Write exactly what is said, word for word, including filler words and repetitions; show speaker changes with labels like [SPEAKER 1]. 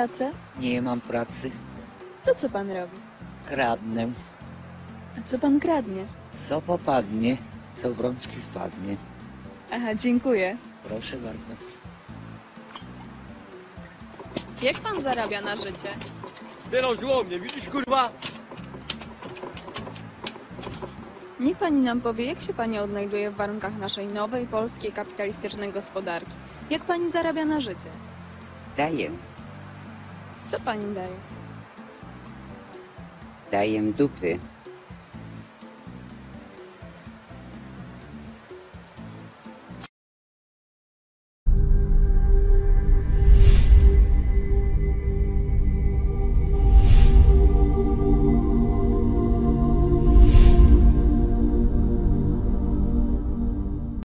[SPEAKER 1] pracę?
[SPEAKER 2] Nie mam pracy.
[SPEAKER 1] To co pan robi?
[SPEAKER 2] Kradnę.
[SPEAKER 1] A co pan kradnie?
[SPEAKER 2] Co popadnie, co w rączki wpadnie.
[SPEAKER 1] Aha, dziękuję.
[SPEAKER 2] Proszę bardzo.
[SPEAKER 1] Jak pan zarabia na życie?
[SPEAKER 3] Wyrążyło mnie, widzisz kurwa?
[SPEAKER 1] Niech pani nam powie, jak się pani odnajduje w warunkach naszej nowej, polskiej, kapitalistycznej gospodarki. Jak pani zarabia na życie?
[SPEAKER 4] Daję,
[SPEAKER 1] Co pani daje?
[SPEAKER 4] daję dupy.